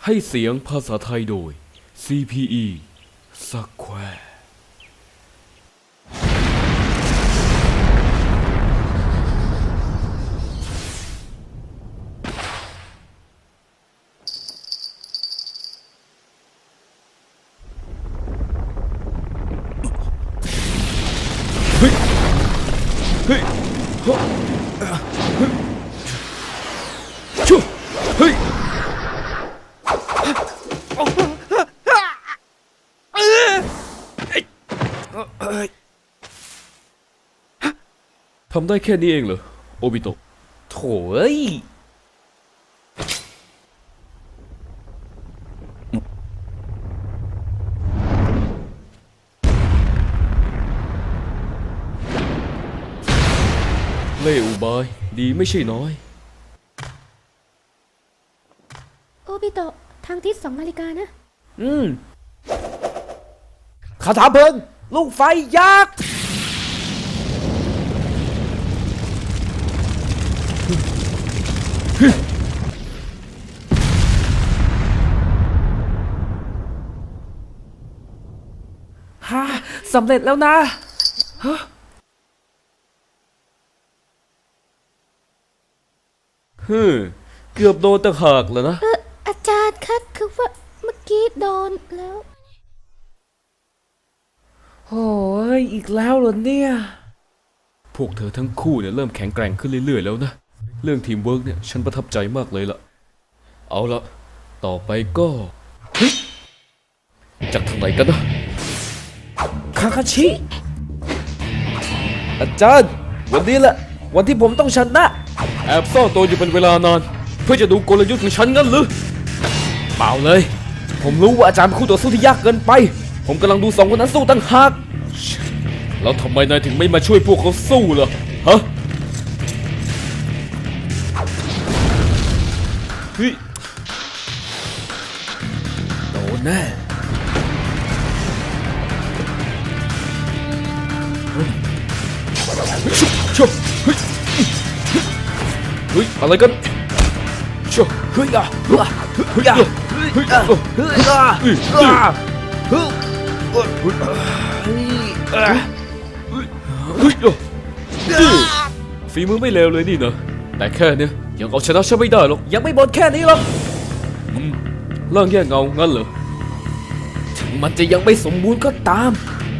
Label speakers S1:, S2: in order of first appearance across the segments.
S1: ให้เสียงภาษาไทยโดย CPE Square เฮ้ยเฮ้ยเฮ้ยชูเฮ้ยทำได้แค่นี้เองเหรอโอบิโตะโถ่เอ้ยเล่อุบายดีไม่ใช่น้อย
S2: โอบิโตะทางทิศ2 นาฬิกานะ
S1: คาถาเพลิงลูกไฟยักษ์ฮ่าสำเร็จแล้วนะเกือบโดนตะหากแล้วนะ
S2: อาจารย์คะคือว่าเมื่อกี้โดนแล้ว
S1: โอ้ยอีกแล้วเหรอเนี่ยพวกเธอทั้งคู่เนี่ยเริ่มแข็งแกร่งขึ้นเรื่อยๆแล้วนะเรื่องทีมเวิร์กเนี่ยฉันประทับใจมากเลยล่ะเอาละต่อไปก็จากทางไหนกันนะคาคาชิอาจารย์วันนี้แหละวันที่ผมต้องชนะแอบซ่อนตัวอยู่เป็นเวลานานเพื่อจะดูกลยุทธ์ของฉันงั้นหรือเปล่าเลยผมรู้ว่าอาจารย์เป็นคู่ต่อสู้ที่ยากเกินไปผมกำลังดู2 คนนั้นสู้ตั้งหากแล้วทำไมนายถึงไม่มาช่วยพวกเขาสู้ล่ะฮะเฮ้ยโดนแน่ชุบเฮ้ยเฮ้ยอะไรกันชุบเฮ้ยอ่ะเฮ้ยเฮ้ยอ่ะเฮ้ยอ่ะเฮ้ยอ่ะเฮ้ยฝีมือไม่เลวเลยนี่นะแต่แค่เนี้ยยังเอาชนะฉันไม่ได้หรอกยังไม่หมดแค่นี้หรอกร่างแยกเงางั้นเหรอถึงมันจะยังไม่สมบูรณ์ก็ตาม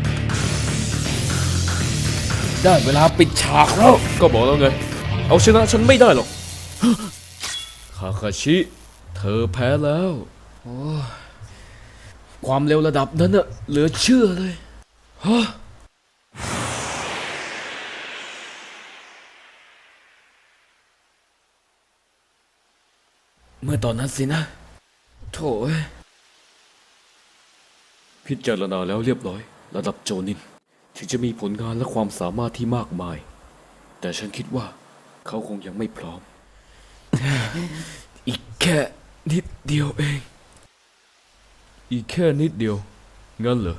S1: ได้เวลาปิดฉากแล้วก็บอกแล้วไงเอาชนะฉันไม่ได้หรอกคาคาชิเธอแพ้แล้วความเร็วระดับนั้นอะเหลือเชื่อเลยฮะเมื่อตอนนั้นสินะโถ่พิจารณาแล้วเรียบร้อยระดับโจนินถึงจะมีผลงานและความสามารถที่มากมายแต่ฉันคิดว่าเขาคงยังไม่พร้อม อีกแค่นิดเดียวเองอีกแค่นิดเดียวงั้นเหรอ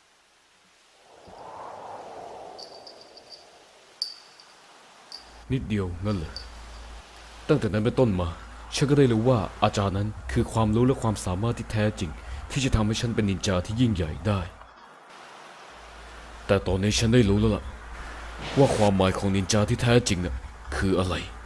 S1: นิดเดียวงั้นเหรอตั้งแต่นั้นเป็นต้นมาฉันก็ได้รู้ว่าอาจารย์นั้นคือความรู้และความสามารถที่แท้จริงที่จะทำให้ฉันเป็นนินจาที่ยิ่งใหญ่ได้แต่ตอนนี้ฉันได้รู้แล้วล่ะว่าความหมายของนินจาที่แท้จริงน่ะคืออะไร